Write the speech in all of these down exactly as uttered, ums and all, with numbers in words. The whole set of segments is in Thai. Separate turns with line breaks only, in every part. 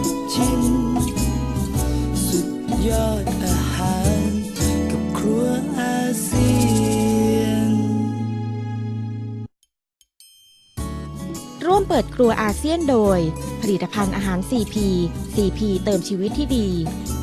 ชิมสุดยอดอาหารกับครัวอาเซียน
ร่วมเปิดครัวอาเซียนโดยผลิตภัณฑ์อาหาร ซี พี ซี พี เติมชีวิตที่ดี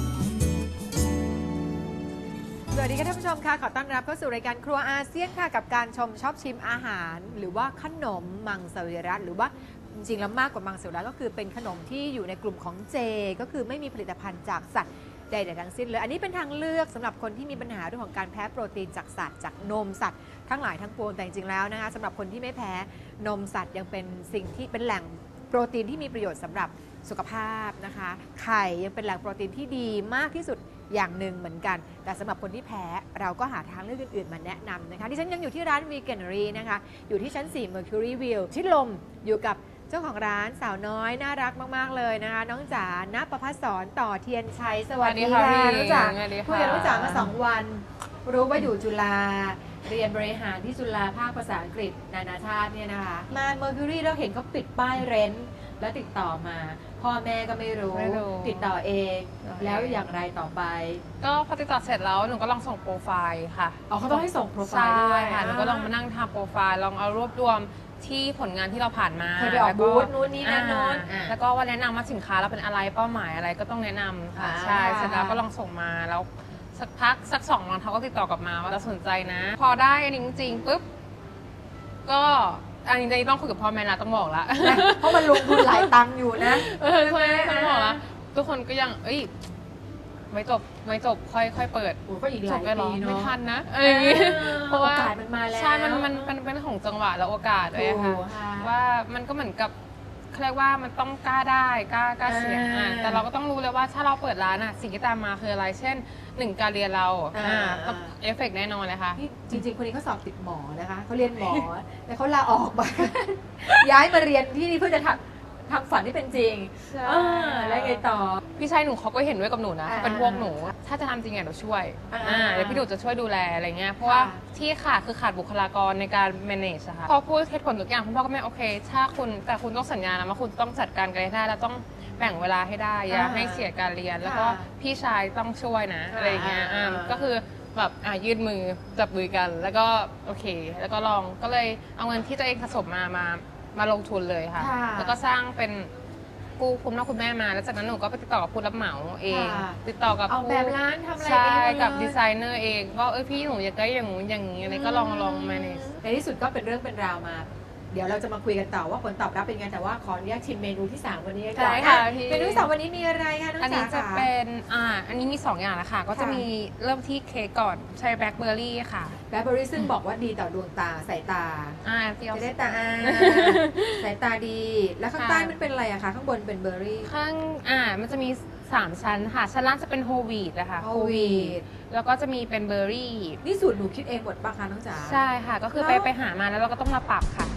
สวัสดีค่ะท่านผู้ชมค่ะขอต้อนรับเข้าสู่รายการครัวอาเซียนค่ะกับการชมชอบชิมอาหาร หรือว่าขนมมังสวิรัติหรือว่าจริงๆแล้วมากกว่ามังสวิรัติก็คือเป็นขนมที่อยู่ในกลุ่มของเจก็คือไม่มีผลิตภัณฑ์จากสัตว์ใดๆทั้งสิ้นเลยอันนี้เป็นทางเลือกสำหรับคนที่มีปัญหาเรื่องของการแพ้โปรตีนจากสัตว์จากนมสัตว์ทั้งหลายทั้งปวงแต่จริงๆแล้วนะคะสำหรับคนที่ไม่แพ้นมสัตว์ยังเป็นสิ่งที่เป็นแหล่งโปรตีนที่มีประโยชน์สำหรับสุขภาพนะคะไข่ยังเป็นแหล่งโปรตีนที่ดีมากที่สุดอย่างหนึ่งเหมือนกันแต่สำหรับคนที่แพ้เราก็หาทางเลือกอื่นๆมาแนะนำนะคะที่ฉันยังอยู่ที่ร้าน Veganery นะคะอยู่ที่ชั้น สี่ Mercury View ชิดลมอยู่กับเจ้าของร้านสาวน้อยน่ารักมากๆเลยนะคะน้องจ๋าณประภัสสรต่อเทียนชัยสวัสดีค่ะน้องจ๋าคุยกับน้องจ๋ามาสองวันรู้ว่าอยู่จุฬาเรียนบริหารที่จุฬาภาคภาษาอังกฤษนานาชาติเนี่ยนะคะมา Mercury เราเห็นเขาปิดป้ายเรนท์แล้วติดต่อมาพ่อแม่ก็ไม่รู้ติดต่อเองแล้วอย่างไรต่อไป
ก็พอติดต่อเสร็จแล้วหนูก็ลองส่งโปรไฟล์ค่ะ
อ๋อเขาต้องให้ส่งโปรไฟล์ด้วย
ค่ะหนูก็ลองมานั่งทำโปรไฟล์ลองเอารวบรวมที่ผลงานที่เราผ่านมา
เคยไปออกบูธนู้นนี่นั่นโน้น
แล้วก็ว่าแนะนำว่าสินค้าเราเป็นอะไรเป้าหมายอะไรก็ต้องแนะนำค่ะใช่เสร็จแล้วก็ลองส่งมาแล้วสักพักสักสองวันเขาก็ติดต่อกลับมาว่าเราสนใจนะพอได้อันนี้จริงๆปุ๊บก็อันนี้ต้องคุยกับพ่อแม่ละต้องบอกละ
เพราะมันลงทุนหลายตังค์อยู่นะ
เออใช่ต้องบอกละทุกคนก็ยังเอ้ยไม่จบไม่จบค่อยค่อยเปิด
ก็อีกหลายปีเนาะ
ไม่ทันนะอะไรอย่างงี้
เพราะว่าโอกาสมันมาแล้ว
ใช่มันมันเป็นเป็นของจังหวะและโอกาสด้วยค่ะว่ามันก็เหมือนกับเขาเรียกว่ามันต้องกล้าได้กล้ากล้าเสี่ยงแต่เราก็ต้องรู้เลยว่าถ้าเราเปิดร้านอ่ะสิ่งที่ตามมาคืออะไรเช่นหนึ่งการเรียนเราต้องเอฟเฟกต์แน่นอนเลยค่ะ
จริงๆคนนี้เขาสอบติดหมอนะคะเขาเรียนหมอแต่เขาลาออกมาย้ายมาเรียนที่นี่เพื่อจะทำทำฝันที่เป็นจริงแล้วไงต่อ
พี่ชายหนูเขาก็เห็นด้วยกับหนูนะเป็นพวกหนูถ้าจะทำจริงอ่ะเราช่วยเดี๋ยวพี่หนูจะช่วยดูแลอะไรเงี้ยเพราะว่าที่ขาดคือขาดบุคลากรในการ manage อะค่ะพอพูดเหตุผลทุกอย่างคุณพ่อก็ไม่โอเคถ้าคุณแต่คุณต้องสัญญานะว่าคุณต้องจัดการกันให้ได้แล้วต้องแบ่งเวลาให้ได้อย่าให้เสียการเรียนแล้วก็พี่ชายต้องช่วยนะอะไรเงี้ยก็คือแบบยืดมือจับมือกันแล้วก็โอเคแล้วก็ลองก็เลยเอาเงินที่ตัวเองสะสมมามามาลงทุนเลยค่ะแล้วก็สร้างเป็นกู้คุณพ่อคุณแม่มาแล้วจากนั้นหนูก็ไปติดต่อกับผู้รับเหมาเองติดต่อกับ
ออกแบบร้านทำอะไร
ใช่กับดีไซเนอร์เองว่าเออพี่หนูอยากได้อย่างงู้นอย่างนี้อะไรก็ลองลอง manage
ในที่สุดก็เป็นเรื่องเป็นราวมาเดี๋ยวเราจะมาคุยกันต่อว่าผลตอบรับเป็นไงแต่ว่าขออนุญาตชิมเมนูที่สามวันนี้ก่อนค่ะเมนูที่สามวันนี้มีอะไรคะน้องจ๋าอัน
นี้จะเป็นอ่าอันนี้มีสองอย่างนะคะก็จะมีเริ่มที่เค้กก่อนใช้แบล็คเบอร์รี่ค่ะ
แบล็คเบอร์รี่ซึ่งบอกว่าดีต่อดวงตาสายตา
อ่า
จะได้ตาสายตาดีแล้วข้างใต้มันเป็นอะไรอะคะข้างบนเป็นเบอร์รี่
ข้างอ่ามันจะมีสามชั้นค่ะชั้นล่างจะเป็นโฮลวีตนะคะ
โฮลวีต
แล้วก็จะมีเป็นเบอร์รี่
นี่สูตรหนูคิดเองหมดป่ะคะน้องจ๋า
ใช่ค่ะก็คือไปไปหามาแล้วเราก็ต้องมาปรับค่ะ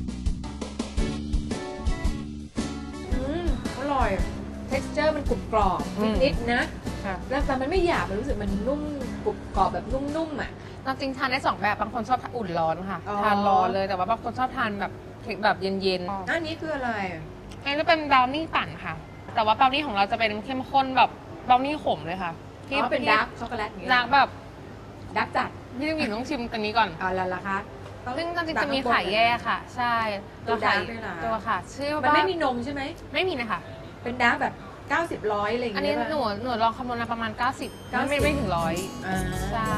อร่อย texture มันกรุบกรอบนิดๆนะแล้วแต่มันไม่หยาบมันรู้สึกมันนุ่มกรุบกรอบแบบนุ่มๆอ่ะ
จริงทานได้สองแบบบางคนชอบอุ่นร้อนค่ะทานร้อนเลยแต่ว่าบางคนชอบทานแบบเค้กแบบเย็น
ๆอันนี้คืออะไร
อันนี้เป็นบราวนี่ปั่นค่ะแต่ว่าบราวนี่ของเราจะเป็นเข้มข้นแบบบราวนี่ขมเลยค่ะ
ที่เป็นดาร์กช็อกโกแลตอย่างเงี้ย
ดาร์กแบบ
ดาร์กจัด
พี่ต้องหญิงต้องชิมตัวนี้ก่อน
อ๋อแล้วล่ะคะ
ซึ่งจริงๆจะมีไข่แยกค่ะใช่
ตัวไข่
ตัวค่ะชื่อว่า
มันไม่มีนมใช่ไหม
ไม่มีนะคะ
เป็นดาร์กแบบเก้าสิบร้อยอะไรอย่างเงี้ย
อันนี้หนูหนูลองคำนวณมาประมาณเก้าสิบไม่ไม่ถึงร้อยใช่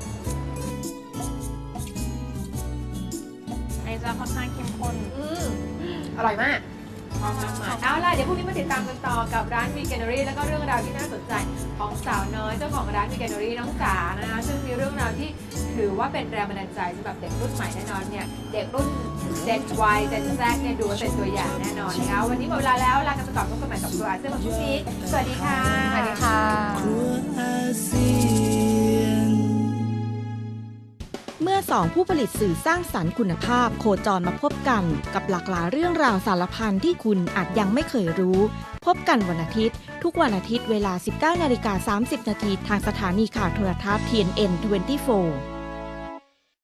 ไอ้จะค่อนข้างเข้มข้น
อร่อยมากเอาล่ะเดี๋ยวพรุ่งนี้มาติดตามกันต่อกับร้าน Veganery แล้วก็เรื่องราวที่น่าสนใจของสาวน้อยเจ้าของร้าน Veganery น้องจ๋านะคะซึ่งมีเรื่องราวที่ถือว่าเป็นแรงบันดาลใจสำหรับเด็กรุ่นใหม่แน่นอนเนี่ยเด็กรุ่น Gen Y Gen Z เนี่ยดูเป็นตัวอย่างแน่นอนนะคะวันนี้หมดเวลาแล้วลากันไปก่อนพบกันใหม่กับครัวอาเซียนวันพรุ่งนี้สวัสดีค่ะ
สวัสดีค่ะ
ครัวอาเซียน
เมื่อสองผู้ผลิตสื่อสร้างสรรค์คุณภาพโคจรมาพบกันกับหลากหลายเรื่องราวสารพันที่คุณอาจยังไม่เคยรู้พบกันวันอาทิตย์ทุกวันอาทิตย์เวลา สิบเก้านาฬิกาสามสิบนาทีทางสถานีข่าวโทรทัศน์ ที เอ็น เอ็น ยี่สิบสี่